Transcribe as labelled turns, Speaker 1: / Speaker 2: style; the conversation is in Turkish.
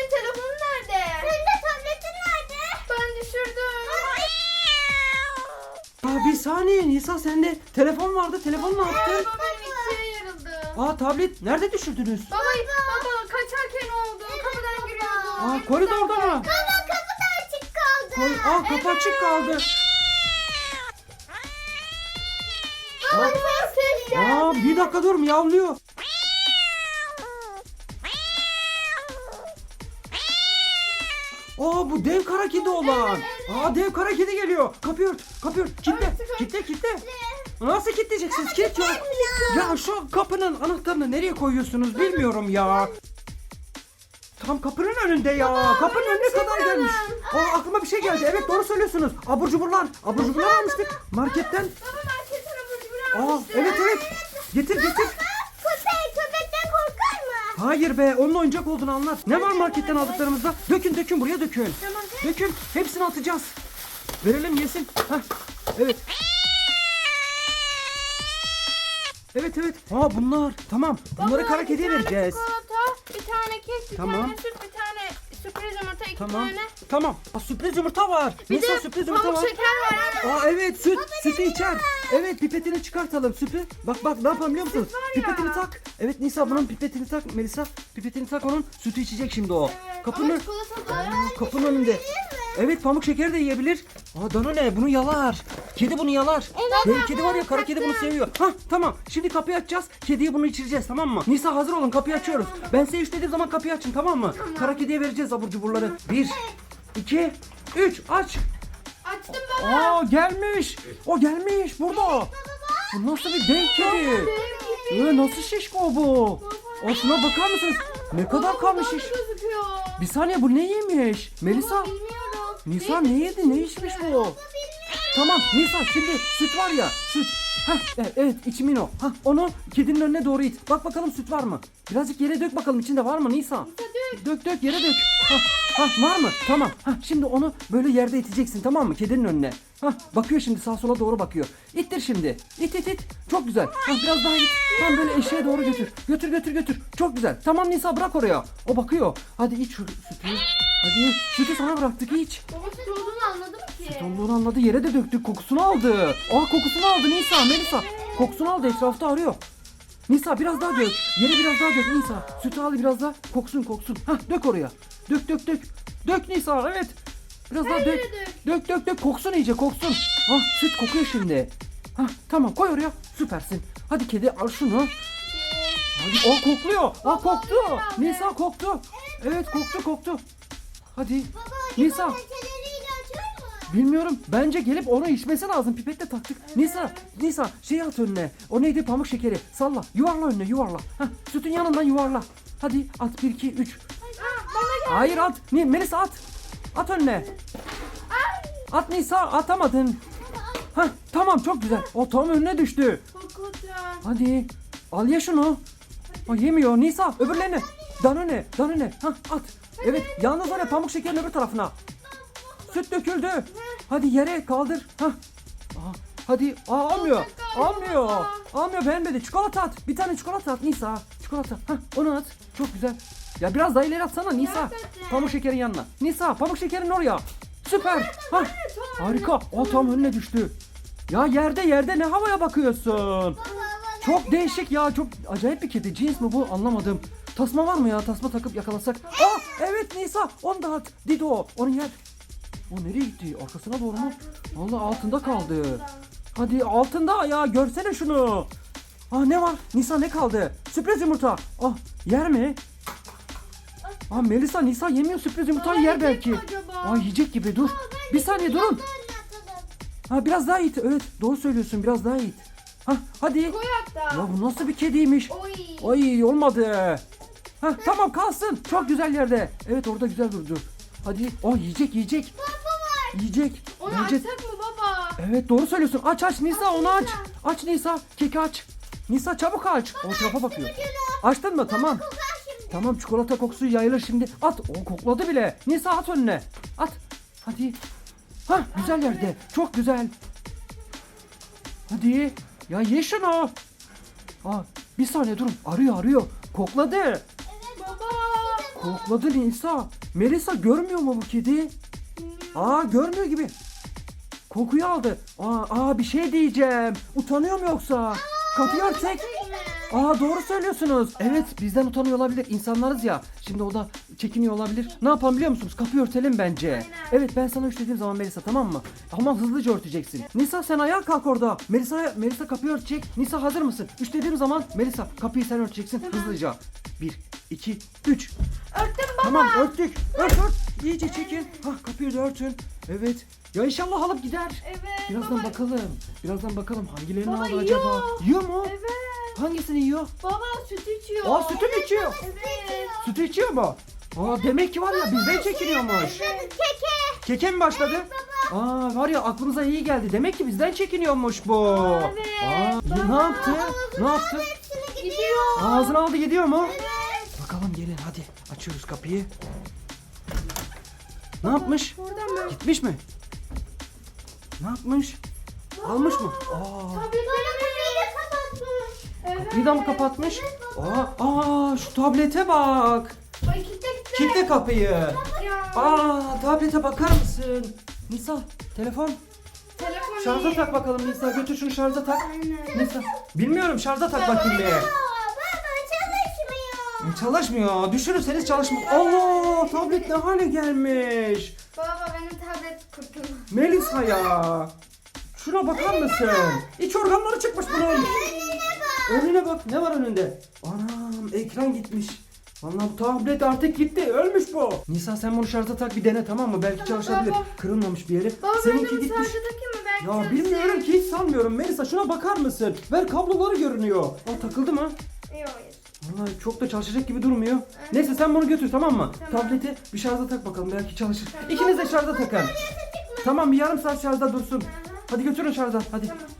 Speaker 1: senin telefonun nerede?
Speaker 2: Senin de tabletin nerede?
Speaker 1: Ben düşürdüm.
Speaker 3: Bir saniye Nisa, sende telefon vardı. Telefon ne yaptın?
Speaker 1: Baba benim ikiye yarıldı.
Speaker 3: Tablet nerede düşürdünüz?
Speaker 1: Baba kaçarken oldu. Kapıdan giriyordum.
Speaker 3: Koridorda mı?
Speaker 2: Baba kapı da açık kaldı.
Speaker 3: Kapı açık kaldı.
Speaker 1: Baba ses geldi.
Speaker 3: Bir dakika dur, miyavlıyor. Bu dev kara kedi olan. Dev kara kedi geliyor. Kapıyı ört. Kitle. Nasıl kilitleyeceksiniz? Kilit yok. Ya şu kapının anahtarını nereye koyuyorsunuz bilmiyorum ya. Tam kapının önünde ya. Kapının önüne kadar gelmiş. Aklıma bir şey geldi. Evet, doğru söylüyorsunuz. Abur cuburlar almıştık marketten.
Speaker 1: Baba marketten abur cubur almıştım.
Speaker 3: Evet. Getir.
Speaker 2: Köpekten korkar mı?
Speaker 3: Hayır be, onun oyuncak olduğunu anlat. Ne var marketten aldıklarımızda? Dökün buraya dökün.
Speaker 1: Tamam.
Speaker 3: Dökün, hepsini atacağız. Verelim yesin. Evet. Evet. Bunlar. Tamam. Bunları kara kediye vereceğiz.
Speaker 1: Çikolata, bir tane kek, bir
Speaker 3: Tamam.
Speaker 1: tane süt, bir tane sürpriz yumurta, iki tane.
Speaker 3: Tamam. Sürpriz yumurta var.
Speaker 1: Bir
Speaker 3: Nisa,
Speaker 1: de
Speaker 3: sürpriz yumurta
Speaker 1: pamuk
Speaker 3: var.
Speaker 1: şeker var.
Speaker 3: Evet, sütü içer. Evet, pipetini çıkartalım sütü. Bak ne yapalım biliyor musunuz?
Speaker 1: ya.
Speaker 3: Pipetini tak. Evet Nisa, bunun pipetini tak. Melisa, pipetini tak, onun sütü içecek şimdi o. Kapının
Speaker 1: Ama çikolata da.
Speaker 3: kapının önünde. Evet, pamuk şekeri de yiyebilir. Danone bunu yalar. Kedi bunu yalar. Dev kedi var ya, kara kedi bunu seviyor. Tamam. Şimdi kapıyı açacağız. Kediye bunu içireceğiz, tamam mı? Nisa hazır olun, kapıyı açıyoruz. Ben size 3 dediğim zaman kapıyı açın, tamam mı? Kara kediye vereceğiz abur cuburları. 1, 2, 3 aç.
Speaker 1: Açtım baba.
Speaker 3: Gelmiş. O gelmiş burada. Bu nasıl bir dev kedi? Nasıl şişko bu? Şuna bakar mısınız? Ne kadar kalmış şiş.
Speaker 1: Gözüküyor.
Speaker 3: Bir saniye, bu ne yemiş? Melisa.
Speaker 1: Bilmiyorum.
Speaker 3: Nisa ne yedi? Ne içmiş bu? Tamam Nisa, şimdi süt var ya, süt. Evet, içimin o. Onu kedinin önüne doğru it. Bak bakalım süt var mı? Birazcık yere dök bakalım, içinde var mı Nisa? Dök yere dök. Var mı? Tamam. Şimdi onu böyle yerde iteceksin, tamam mı? Kedinin önüne. Bakıyor şimdi, sağa sola doğru bakıyor. İttir şimdi. İt. Çok güzel. Biraz daha it. Tam böyle eşeğe doğru götür. Götür. Çok güzel. Tamam Nisa, bırak oraya. O bakıyor. Hadi iç şu sütü. Hadi, sütü sana bıraktık, iç.
Speaker 1: Baba süt olduğunu anladım ki.
Speaker 3: Olduğunu anladı, yere de döktük, kokusunu aldı. Kokusunu aldı Nisa, Melisa. Kokusunu aldı, etrafta arıyor. Nisa biraz daha dök. Yere biraz daha dök Nisa. Sütü al biraz daha, koksun. Dök oraya. Dök. Dök Nisa, evet. Biraz daha dök. Dök. Koksun iyice, koksun. Süt kokuyor şimdi. Tamam, koy oraya. Süpersin. Hadi kedi, al şunu. Hadi, kokluyor. Koktu. Nisa koktu. Evet, koktu. Hadi. Nisa.
Speaker 2: Peçeleriyle açar mı?
Speaker 3: Bilmiyorum. Bence gelip onu içmesi lazım. Pipetle taktık. Nisa şey at önüne. O neydi? Pamuk şekeri. Salla. Yuvarla önüne, yuvarla. Sütün yanından yuvarla. Hadi at, 1 2 3. Hayır, at. Melisa at. At önüne. At Nisa, atamadın. Tamam, çok güzel. O tam önüne düştü.
Speaker 1: Kokacağım.
Speaker 3: Hadi. Al ye şunu. Yemiyor. Nisa, öbürlerini. Danone. At. Evet, yalnız oraya pamuk şekerin öbür tarafına. Süt döküldü. Hadi yere kaldır. Hadi. Almıyor. Beğenmedi. Çikolata at. Bir tane çikolata at Nisa. Çikolata. Onu at. Çok güzel. Ya biraz daha ileri atsana Nisa. Pamuk şekerin yanına. Nisa, pamuk şekerin oraya. Süper. Harika. Tam önüne düştü. Ya yerde ne havaya bakıyorsun? Çok değişik ya. Çok acayip bir kedi. Cins mi bu? Anlamadım. Tasma var mı ya? Tasma takıp yakalasak. Evet Nisa. Onu da at. Dido. Onu yer. O nereye gitti? Arkasına doğru mu? Vallahi altında kaldı. Hadi altında ya. Görsene şunu. Ne var? Nisa, ne kaldı? Sürpriz yumurta. Yer mi? Melisa, Nisa yemiyor, sürpriz yumurtayı yer belki. Yiyecek gibi, dur. Bir saniye durun. Biraz daha it. Evet, doğru söylüyorsun, biraz daha it. Hadi.
Speaker 1: Koy hatta.
Speaker 3: Ya bu nasıl bir kediymiş?
Speaker 1: Oy.
Speaker 3: Olmadı. Tamam, kalsın. Çok güzel yerde. Evet, orada güzel durdu. Hadi. Yiyecek. Yiyecek.
Speaker 1: Onu
Speaker 3: Bence...
Speaker 1: açsak mı baba?
Speaker 3: Evet, doğru söylüyorsun. Aç Nisa, onu aç. Aç Nisa, keki aç. Nisa çabuk aç. O tarafa bakıyor. Açtın mı? Tamam. Tamam, çikolata kokusu yayılır şimdi. At. O kokladı bile. Nisa, at önüne. At. Hadi. Güzel yerde. Çok güzel. Hadi. Ya ye şunu. Bir saniye durun. Arıyor. Kokladı.
Speaker 1: Baba.
Speaker 3: Kokladı Nisa. Melisa görmüyor mu bu kedi? Aa görmüyor gibi. Kokuyu aldı. Bir şey diyeceğim. Utanıyor mu yoksa? Kapıyı örtsek. Doğru söylüyorsunuz. Evet bizden utanıyor olabilir. İnsanlarız ya. Şimdi o da çekiniyor olabilir. Ne yapalım biliyor musunuz? Kapıyı örtelim bence.
Speaker 1: Aynen.
Speaker 3: Evet ben sana üç dediğim zaman Melisa tamam mı? Ama hızlıca örteceksin. Nisa sen ayağa kalk orada. Melisa kapıyı örtecek. Nisa hazır mısın? Üç dediğim zaman Melisa kapıyı sen örteceksin hızlıca. 1, 2, 3.
Speaker 1: Örttüm baba.
Speaker 3: Tamam örttük. Ört. İyice çekin. Kapıyı da örtün. Evet. Ya inşallah alıp gider.
Speaker 1: Evet.
Speaker 3: Birazdan
Speaker 1: baba.
Speaker 3: bakalım. Hangilerini
Speaker 1: Baba
Speaker 3: aldı
Speaker 1: yiyor.
Speaker 3: acaba? Yiyor mu?
Speaker 1: Evet.
Speaker 3: Hangisini yiyor?
Speaker 1: Baba süt içiyor.
Speaker 3: Sütü mü içiyor?
Speaker 1: Evet.
Speaker 3: Sütü içiyor mu? Demek ki var ya bizden çekiniyormuş.
Speaker 2: Keke.
Speaker 3: Keke mi başladı? Var ya aklımıza iyi geldi. Demek ki bizden çekiniyormuş bu.
Speaker 1: Evet.
Speaker 3: Ne yaptı? Ne yaptı?
Speaker 2: Hepsini
Speaker 1: Gidiyor.
Speaker 3: Ağzına aldı gidiyor mu?
Speaker 2: Evet.
Speaker 3: Bakalım gelin hadi. Açıyoruz kapıyı. Ne yapmış?
Speaker 1: Buradan mı?
Speaker 3: Gitmiş mi? Ne yapmış? Almış mı?
Speaker 2: Kapıyı da kapatmış.
Speaker 1: Evet.
Speaker 3: Kapıyı da mı kapatmış? Şu tablete bak.
Speaker 1: Ay kitle.
Speaker 3: Kilitle kapıyı.
Speaker 1: Ya.
Speaker 3: Tablete bakar mısın? Nisa telefon.
Speaker 1: Telefon
Speaker 3: Şarja
Speaker 1: iyi.
Speaker 3: tak bakalım Nisa. Götür şunu şarja tak.
Speaker 1: Aynen.
Speaker 3: Nisa. Bilmiyorum şarja tak bakayım bir.
Speaker 2: Baba çalışmıyor.
Speaker 3: Çalışmıyor. Düşürürseniz çalışmıyor. Allah tablet ne hale gelmiş.
Speaker 1: Baba benim tablet kurtuldu.
Speaker 3: Melisa ya. Şuna bakar mısın? İç organları çıkmış bunun. Önüne bak. Ne var önünde? Anam ekran gitmiş. Vallahi bu tablet artık gitti. Ölmüş bu. Nisa sen bunu şarja tak bir dene tamam mı? Belki çalışabilir.
Speaker 1: baba.
Speaker 3: Kırılmamış bir yeri.
Speaker 1: Baba
Speaker 3: Seninki
Speaker 1: benim
Speaker 3: gitmiş.
Speaker 1: şarjı takayım mı belki
Speaker 3: Ya
Speaker 1: çalışır.
Speaker 3: bilmiyorum ki hiç sanmıyorum. Melisa şuna bakar mısın? Ver kabloları görünüyor. Takıldı mı?
Speaker 1: Yok hayır.
Speaker 3: Vallahi çok da çalışacak gibi durmuyor. Neyse sen bunu götür tamam mı?
Speaker 1: Tamam.
Speaker 3: Tableti bir şarja tak bakalım belki çalışır. İkiniz de şarja takın. Tamam bir yarım saat şarjda dursun. Hadi götürün şarja hadi.
Speaker 1: Tamam.